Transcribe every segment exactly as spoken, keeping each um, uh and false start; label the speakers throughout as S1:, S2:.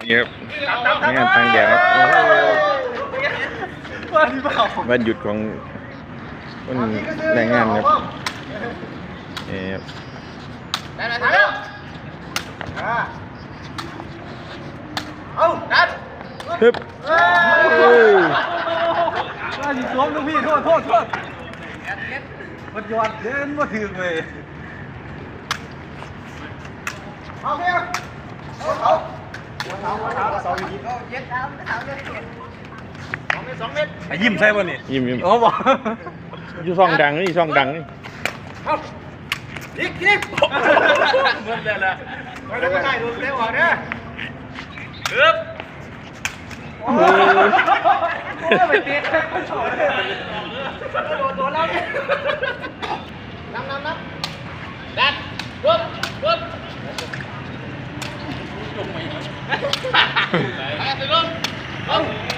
S1: นี่ครับงานทางแดดครับวันหยุดของวันแรงงานครับนี่ครับ
S2: ได้ไหมทันแล้วเอาดัน
S1: ฮึบ
S3: ว่าสิสวมลูกพี่โทษโทษโทษมันยอดเดินมาถึงเลย
S2: เอาเพียงเอาเขาเอาเขาเอาสองเมตรเย็ดเอาเอาเย็ดสองเมตรสองเมตร
S3: ไอ้ยิ้มใช่ป่ะนี่
S1: ยิ้มยิ้ม
S3: โอ้บอก
S1: อยู่ช่องดังนี่ช่องดังนี่
S2: เอาดิ๊กดิ๊กเหมือนเดิมเลยไม่ได้ไม่ได้ดูเร็วกว่าเนี่ยฮึบโอ้ยไปเตะโดนโดนแล้วเนี่ยน้ำน้ำน้ำดันปุ๊บปุ๊บจงไปไปสิลุงเอา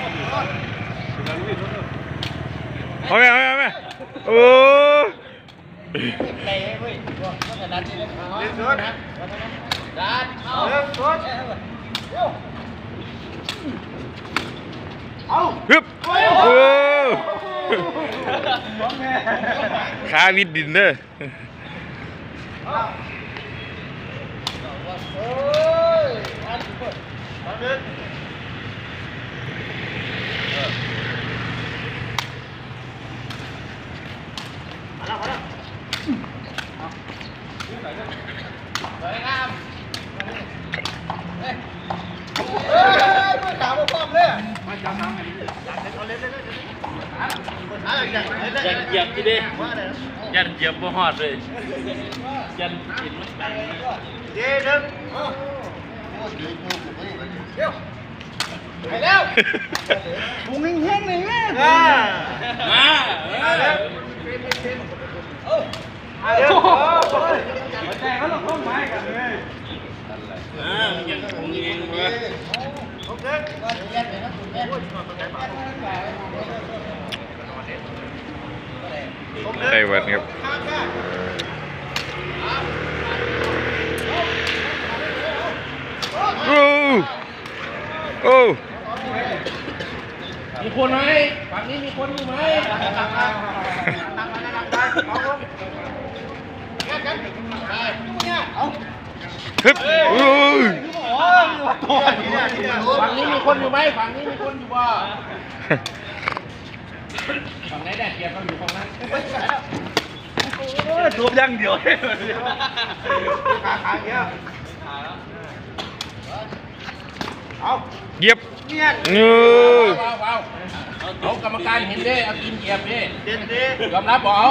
S1: เอาไปเอาไปเอาไปโอ้
S2: เตะเว้ยต้องดันนี่เลยเล่นสวนนะดันเอาเล่นสวนเอา
S1: ฮึบโอ้ขาวิดดินเด้อ
S2: สวยงามเฮ้ยเฮ้ยมือขาวมาพร้อมเลยมาจับน้ำอันนี้เอาเล่นเล่นเล่นยันเหยียบกี่ดิยันเหยียบบ่ฮอดเลยยันกินมันไปเดี๋ยวเดี๋ยวไปแล้วบุ้งแห้งๆเลยแม่มามาเดี๋ยวเดี๋ยวแจ้งเขาหลอกต้นไม้กันเลยอ่ายังคงเองเลยโอเค
S1: ไต้หวันครับโอ้โอ้
S2: มีคนไหมฝั่งนี้มีคนอยู่ไหมตั้งมาตั้งมาตั้งไปเอาคนแยกกันไปเนี่ยเอา
S1: ฮึบโอ้ย
S2: ฝั่งนี้มีคนอยู่ไหมฝั่งนี้มีคนอยู่บ่ฝั่งไหนแดดเกียร์เขาอยู่ฝั่งนั้น
S3: ตัวย่างเดียว
S2: ขาขาเงี้ยเอา
S1: เย็บ
S2: เนี่ย
S1: เงือ
S2: เอากรรมการเห็นดิเอากินเหยียบดิเด่นดิยอมรับบอก